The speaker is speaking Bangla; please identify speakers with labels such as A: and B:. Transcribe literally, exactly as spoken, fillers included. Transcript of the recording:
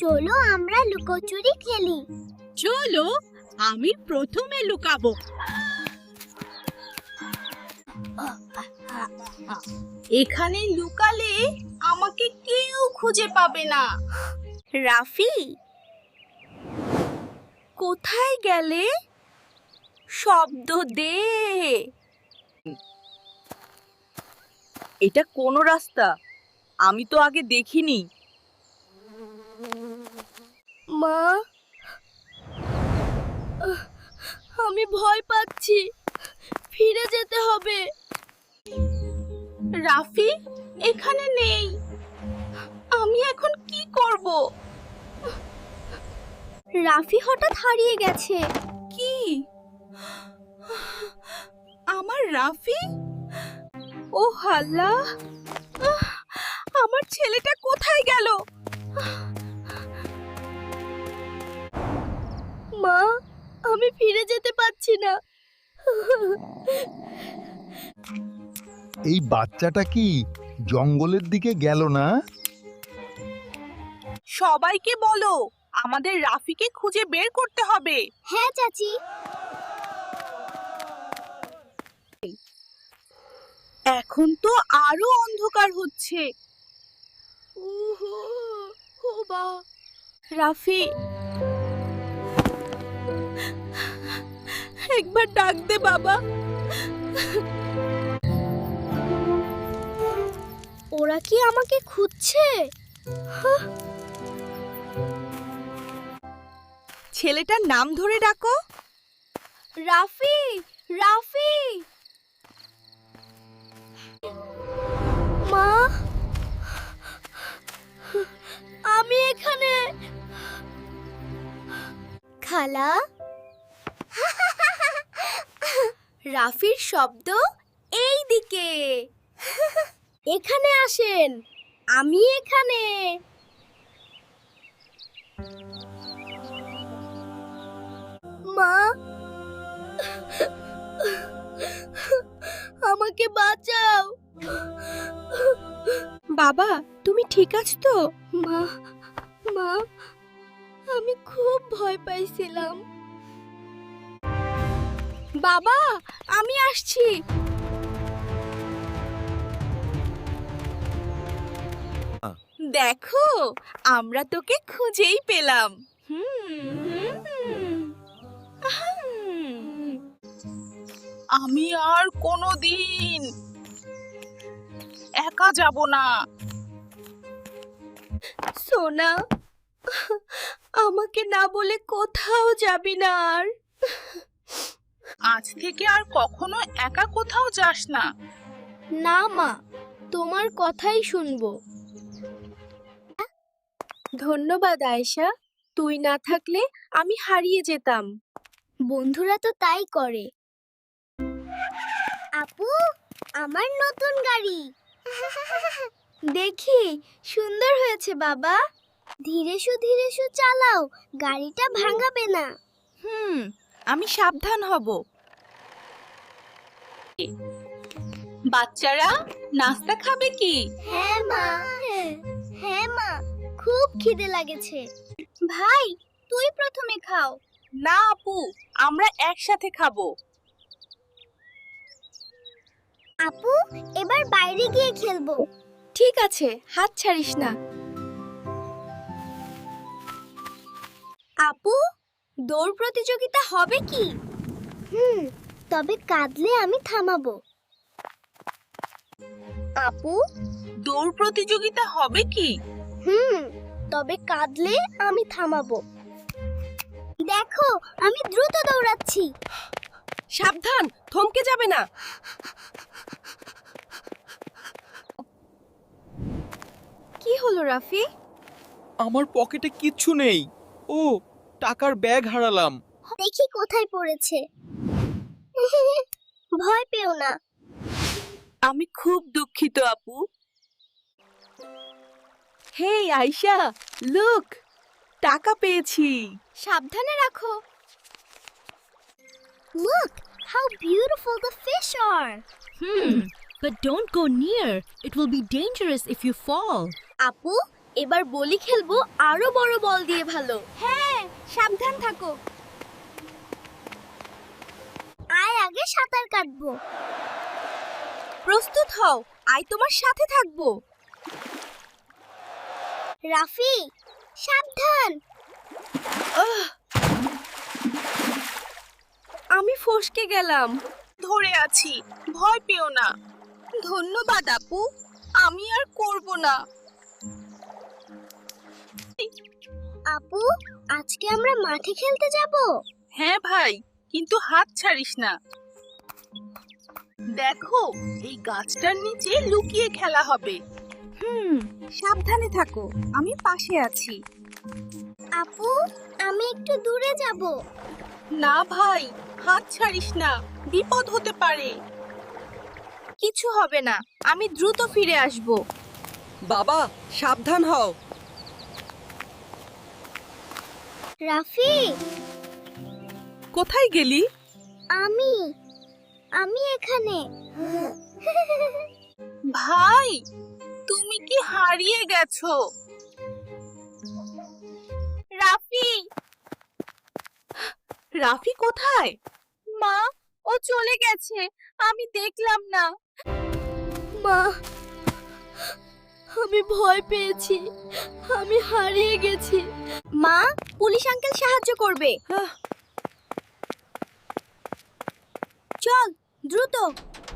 A: চলো আমরা লুকোচুরি খেলি।
B: চলো আমি প্রথমে লুকাবো। এখানে লুকালে আমাকে কেউ খুঁজে পাবে না।
C: রাফি, কোথায় গেলে? শব্দ দে। এটা কোন রাস্তা? আমি তো আগে দেখিনি। মা, আমি ভয় পাচ্ছি, ফিরে যেতে হবে।
B: রাফি এখানে নেই, আমি এখন কি করব?
A: রাফি হঠাৎ হারিয়ে গেছে।
B: কি? আমার রাফি? ও আল্লাহ, আমার ছেলেটা কোথায় গেল?
C: মা, আমি ফিরে যেতে পারছি না।
D: এই বাচ্চাটা কি জঙ্গলের দিকে গেল না?
B: সবাইকে বলো আমাদের রাফিকে খুঁজে বের করতে হবে।
A: হ্যাঁ চাচি।
B: এখন তো আরো অন্ধকার হচ্ছে।
C: রাফি,
B: একবার ডাক দে বাবা।
A: ওরা কি আমাকে খুঁজছে?
C: ছেলেটার নাম ধরে ডাকো। রাফি, রাফি। মা, আমি এখানে।
A: খালা,
C: রাফির শব্দ এই দিকে। এখানে আসেন, আমি এখানে। মা, আমাকে বাঁচাও।
B: বাবা তুমি ঠিক আছো তো?
C: মা, মা, আমি খুব ভয় পাইছিলাম। বাবা, আমি আসছি। দেখো, আমরা তোকে খুঁজেই পেলাম।
B: আমি আর কোনোদিন একা যাব না।
C: সোনা, আমাকে না বলে কোথাও যাবি না আর।
B: আজ থেকে আর কখনো একা কোথাও যাস না।
C: না মা, তোমার কথাই শুনবো। ধন্যবাদ আয়েশা, তুই না থাকলে আমি হারিয়ে যেতাম।
A: বন্ধুরা তো তাই করে। আপু, আমার নতুন গাড়ি।
C: দেখি, সুন্দর হয়েছে বাবা।
A: ধীরে সু ধীরে সু চালাও, গাড়িটা ভাঙাবে না।
C: হুম, আমি সাবধান হব।
B: বাচ্চারা নাস্তা খাবে কি?
A: হ্যাঁ মা, হ্যাঁ মা, খুব খিদে লাগেছে। ভাই, তুই প্রথমে খাও।
B: না আপু, আমরা একসাথে খাবো।
A: আপু, এবার বাইরে গিয়ে খেলবো।
C: ঠিক আছে, হাত ছাড়িস না। আপু, দৌড় প্রতিযোগিতা হবে কি?
A: হুম, তবে কাঁদলে আমি থামাবো। আপু,
B: দৌড় প্রতিযোগিতা হবে কি?
A: হুম, তবে কাঁদলে আমি থামাবো। দেখো, আমি দ্রুত দৌড়াচ্ছি।
C: সাবধান, থমকে যাবে না। কি হলো রাফি?
E: আমার পকেটে কিচ্ছু নেই। ও, টাকার ব্যাগ হারালাম।
A: দেখি কোথায় পড়েছে। ভয় পেও না।
C: আমি খুব দুঃখিত আপু। হেই আয়শা, লুক, টাকা পেয়েছি। সাবধানে রাখো।
A: Look how beautiful the fish are.
F: Hmm, but don't go near. It will be dangerous if you fall.
A: আপু, এবার বলি খেলবো আরো বড় বল দিয়ে ভালো। হ্যাঁ, সাবধান থাকো। আয় আগে সাঁতার কাটবো।
C: প্রস্তুত হও, আই তোমার সাথে থাকবো।
A: রাফি, সাবধান।
C: আমি ফসকে গেলাম।
B: ধরে আছি, ভয় পেও না।
C: ধন্যবাদ আপু, আমি আর করব না।
A: আপু, আজকে আমরা মাঠে খেলতে যাব?
B: হ্যাঁ ভাই, কিন্তু হাত ছাড়িস না। দেখো, এই গাছটার নিচে লুকিয়ে খেলা হবে।
C: হুম, সাবধানে থাকো, আমি পাশে আছি।
A: আপু, আমি একটু দূরে যাব।
B: না ভাই, হাত ছাড়িস না, বিপদ হতে পারে।
C: কিছু হবে না, আমি দ্রুত ফিরে আসব।
E: বাবা, সাবধান হও।
A: রাফি,
E: কোথায় গেলি?
A: আমি আমি এখানে।
B: ভাই, তুমি কি হারিয়ে গেছো?
C: রাফি, রাফি কোথায়? মা, ও চলে গেছে, আমি দেখলাম না। মা, আমি ভয় পেয়েছি, আমি হারিয়ে গেছি। মা, পুলিশ আঙ্কেল সাহায্য করবে। চল দ্রুত।